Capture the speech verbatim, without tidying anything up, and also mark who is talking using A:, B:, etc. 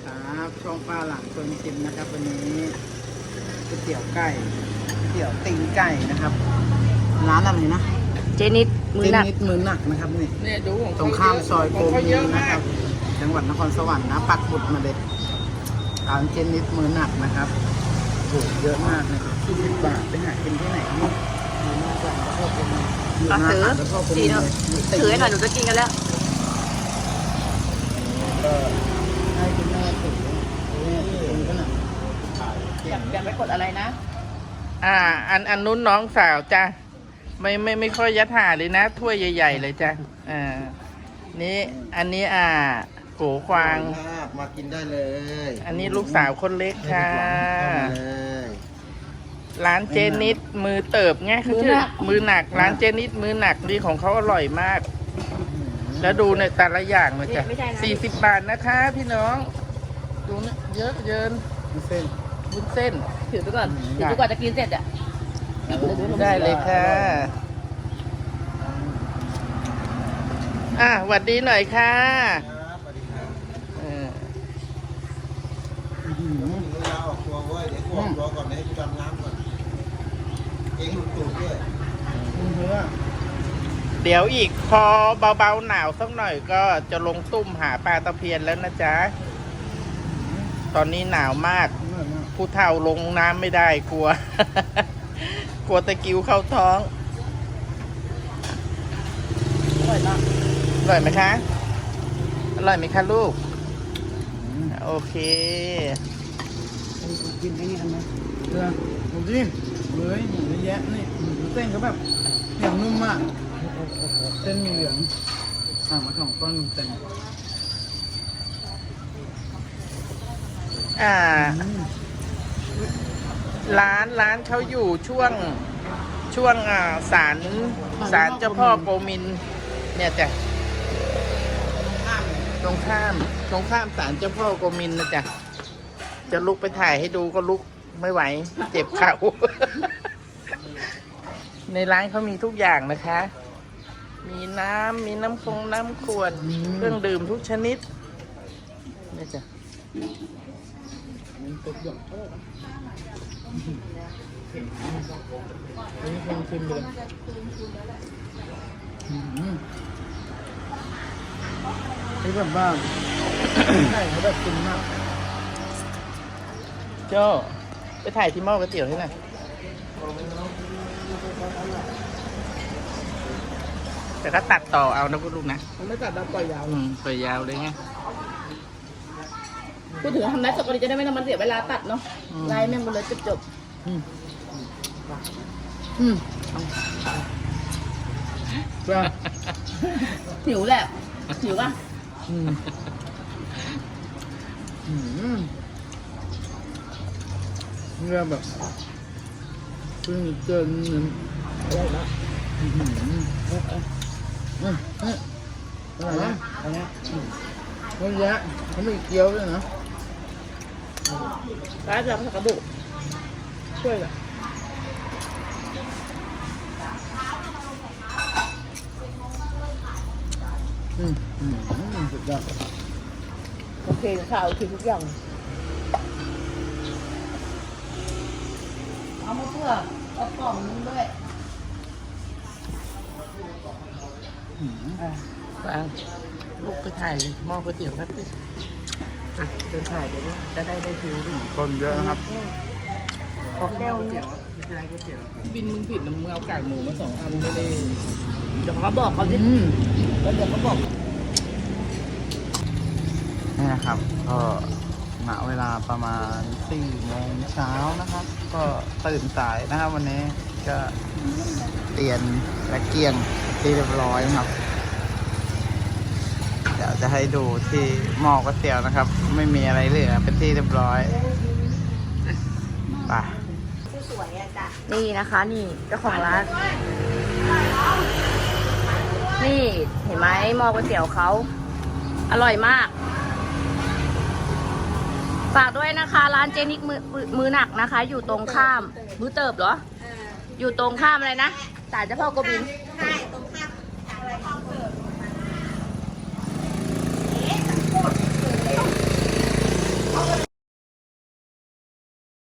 A: ครับช่องป้าหลังชวนชิมนะครับวันนี้ก๋วยเตี๋ยวไก่ก๋วยเตี๋ยวตีนไก่นะครับร้านอะไรนะ
B: เจนิดมือหนัก
A: เจนิดมือหนักนะครับนี่
C: เนี่ยดูของ
A: ตรงข้ามซอยโก
C: เขา
A: มี
C: เยอะ
A: นะ
C: มา
A: ครั
C: ก
A: บจังหวัดนครสวรรค์นะปักหมุดมาเลยร้านเจนิดมือหนักนะครับถูกเยอะมากนะครับยี่สิบบาทไปหากินที่ไหนนี่อยู่หน้าร้านแล้วก็เป็นอยู่
B: ก็
A: หน้า
B: ถือ
A: ร้านแล้วก็เป็น
B: สีเนาะถือให้หน่อยหนูจะกินกันแล้ว
A: ก็ให้คุณแม่ถือเนี่ยถือก็หนัก
B: อยากอยากไปกดอะไรนะ
C: อ่า อันอันนู้นน้องสาวจ้ะไม่ไม่ไม่ค่อยยัดหาเลยนะ ถ้วยใหญ่ๆเลยจ้ะอ่านี่อันนี้อ่าโกควาง
A: มากินได้เลย
C: อันนี้ลูกสาวคนเล็กค่ะ
A: เลย
C: ร้านเจนิดมือเติบไงเขาชื่อมือหนัก ร้านเจนิดมือหนักนี่ของเขาอร่อยมาก แล้วดูในแต่ละอย่างเลยจ้ะสี่สิบบาทนะคะ พี่น้อง ดูนะเยอะเยิน
A: มีเส้น
C: วุ้นเส้น
B: ถือไปก่อนถือไปก่อนจะกินเสร็จอ่ะ
C: ได้เลยค่ะ อ่ะหวัดดีหน่อยค่ะเออ
D: เวลาออกตัวเว้ยเดี๋ยวกูออกตัวก่อนให้กูดำน้ำก่อนเองหลุดตูดด้วย
A: เนื้อ
C: เดี๋ยวอีกพอเบาๆหนาวสักหน่อยก็จะลงตุ้มหาปลาตะเพียนแล้วนะจ๊ะ ตอนนี้หนาวมาก
A: เนื้อมาก
C: ผู้เฒ่าลงน้ำไม่ได้กลัว กลัวตะกิ้วเข้าท้อง
B: อร่อยมาก
C: อร่อยไหมคะ อร่อยไหมคะลูก โอเค
A: กินไอ้นี่กันไหมเนื้อหมูจิ้มเฮ้ยหมูเยอะแยะนี่หมูเส้นเขาแบบอย่างนุ่มมากเส้นมีเหลืองห่างมาสองก้อนเต็ม
C: อ่า ร้านร้านเขาอยู่ช่วงช่วงอ่าศาลศาลเจ้าพ่อโกมิน เนี่ยจ้ะตรงข้ามตรงข้ามศาลเจ้าพ่อโกมินนะจ๊ะจะลุกไปถ่ายให้ดูก็ลุกไม่ไหว เจ็บเข่า ในร้านเขามีทุกอย่างนะคะ มีน้ำมีน้ำคงน้ำขวดเครื่องดื่มทุกชนิดเนี่ยจ้ะ
A: มันตกหย่อมนี่คงชิมเลยนี่แบบว่าไก่เขาแบบกินมาก
C: โจ้ไปถ่ายที่หม้อก๋วยเตี๋ยวให้หน่อยแต่ก็ตัดต่อเอานะพูดลูกนะ
A: มันไม่ตัดดาวปล่อยยาว
C: อืมตัวยาวเลยไง
B: พูดถึงทำได้สดก็ดีจะได้ไม่ต้องมันเสียเวลาตัดเนาะ
C: อืม
B: ไล่แม่งไปเลยจบจบ
A: อืมอืมจ้า
B: ๆหิวแหละหิวป่ะ
A: อืมอืมเนื้อแบบเพิ่งเกินหนึ่งอะไรนะอืมอืมอืมอืมอะไรนะอะไรนะเยอะแยะเขาไม่เกี๊ยวด้วยนะ
B: ร้านเราผักกระบุกช่วยเหรอ
A: อืมอืมอืมสุดยอด
B: โอเคข่าวโอเคทุกอย่างเอามาเพื่อเอากล่องนึงด้วย
A: อืม
C: อ่ะวางลูกไปถ่ายหม้อก๋วยเตี๋ยวแป๊บนึงอ่ะเดินถ่ายเดี๋ยวด้วยจะได้ได้ฟิวด้วย
A: คนเยอะนะครับ
C: ขอแก้วเตี๋ยวไม่ใช่ก๋วยเตี๋ยวบินมึงผิดนะมึงเอากากหมูมาสองอันไม่ได้
B: เดี๋ยวเขาบอกเขาดิ
A: อืม
B: แล้วเดี๋ยวเขาบอก
A: นี่นะครับก็ณเวลาประมาณสี่โมงเช้านะครับ ก็ตื่นสายนะครับวันนี้ก็เตียนและเกียงที่เรียบร้อยนะครับ เดี๋ยวจะให้ดูที่หม้อก๋วยเตี๋ยวนะครับ ไม่มีอะไรเหลือเป็นที่เรียบร้อยไป
B: นี่นะคะนี่เจ้าของร้าน นี่เห็นไหมหม้อก๋วยเตี๋ยวเขาอร่อยมาก ฝากด้วยนะคะ ร้านเจนิกมือมือหนักนะคะ อยู่ตรงข้ามมือเติบเหรอ อยู่ตรงข้ามอะไรนะศาลเจ้าพ่อโกบิน